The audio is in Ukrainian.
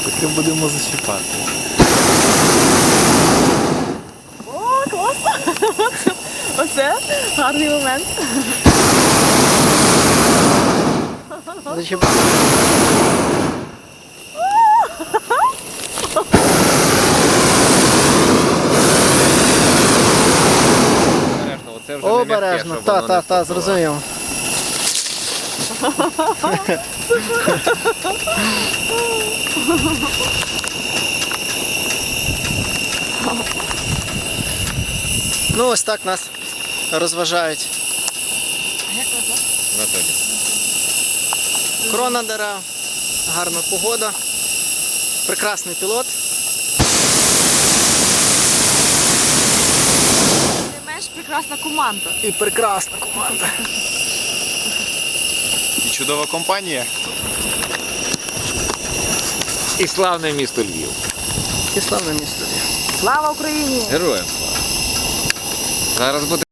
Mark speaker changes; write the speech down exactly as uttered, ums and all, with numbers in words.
Speaker 1: Таке будемо зачіпати.
Speaker 2: О, класно! Оце гарний момент.
Speaker 3: Зачіпати.
Speaker 4: Обережно, оце вже не
Speaker 3: Обережно,
Speaker 4: м'яке, щоб
Speaker 3: та,
Speaker 4: воно
Speaker 3: та,
Speaker 4: не
Speaker 3: та,
Speaker 4: вступило.
Speaker 3: зрозумів. Ну ось так нас розважають.
Speaker 4: Анатолій.
Speaker 3: Крона дерев, гарна погода, прекрасний пілот.
Speaker 2: Не менш прекрасна команда.
Speaker 3: І прекрасна команда.
Speaker 1: І чудова компанія.
Speaker 4: І славне місто Львів.
Speaker 3: І славне місто.
Speaker 2: Слава Україні!
Speaker 4: Героям слава. Зараз буде